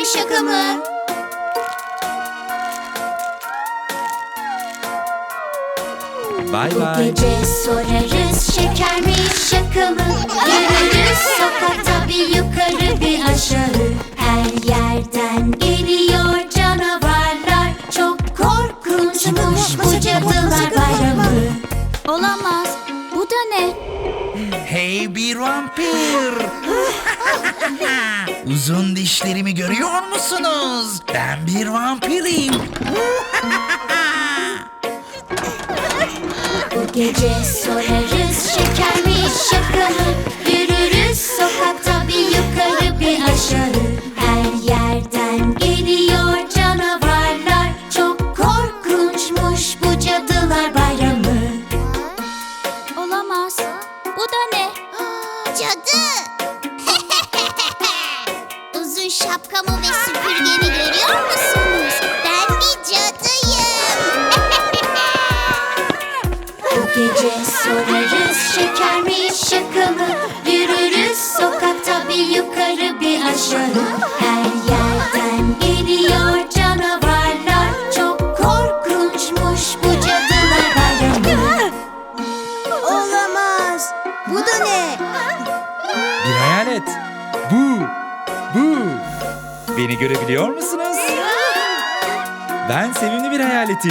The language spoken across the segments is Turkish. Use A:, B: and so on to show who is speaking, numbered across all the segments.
A: mi şaka mı?
B: Bay
A: Bu
B: bay.
A: gece sorarız şeker mi şaka mı? Yürürüz sokakta bir yukarı bir aşağı. Her yerden geliyor canavarlar. Çok korkunçmuş bu cadılar bayramı.
C: Olamaz. Bu da ne?
D: Hey bir vampir! Uzun dişlerimi görüyor musunuz? Ben bir vampirim.
A: Bu gece sorarız şeker mi şaka mı? Yürürüz sokakta bir yukarı bir aşağı. Her yerden geliyor canavarlar. Çok korkunçmuş bu cadılar bayramı.
C: Olamaz. Bu da ne?
A: Cadı! Uzun şapkamı ve süpürgemi görüyor musunuz? Ben bir cadıyım. Bu gece sorarız şeker mi şaka mı? Yürürüz sokakta bir yukarı bir aşağı. Her yerden geliyor canavarlar. Çok korkunçmuş bu cadılar bayramı. Olamaz. Bu da ne?
B: Bir hayalet. Bu. Beni görebiliyor musunuz? Ben sevimli bir hayaletim.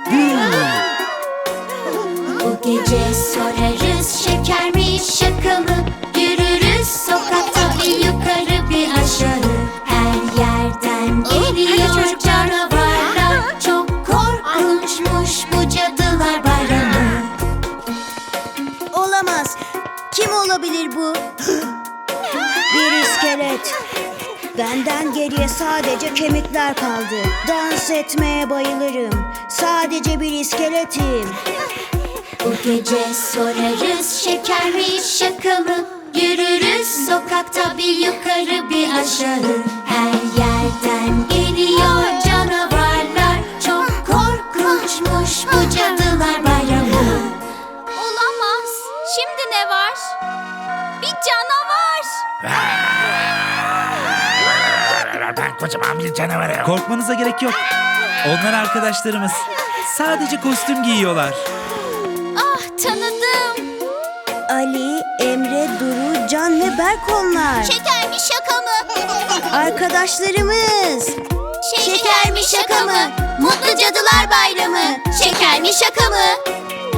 A: Bu gece sorarız şeker mi şaka mı? Yürürüz sokakta bir yukarı bir aşağı. Her yerden geliyor canavarlar. Çok korkunçmuş bu cadılar bayramı.
E: Olamaz. Kim olabilir bu? Bir iskelet. Benden geriye sadece kemikler kaldı. Dans etmeye bayılırım. Sadece bir iskeletim.
A: Bu gece sorarız şeker mi şaka mı? Yürürüz sokakta bir yukarı bir aşağı. Her yerden geliyor canavarlar. Çok korkunçmuş bu cadılar bayramı.
C: Olamaz. Şimdi ne var? Bir canavar.
D: Ben kocaman bir canavarım.
B: Korkmanıza gerek yok. Onlar arkadaşlarımız. Sadece kostüm giyiyorlar.
C: Ah, tanıdım.
E: Ali, Emre, Duru, Can ve Berk onlar.
A: Şeker mi şaka mı?
E: Arkadaşlarımız.
A: Şeker mi şaka mı? Mutlu Cadılar Bayramı. Şeker mi şaka mı?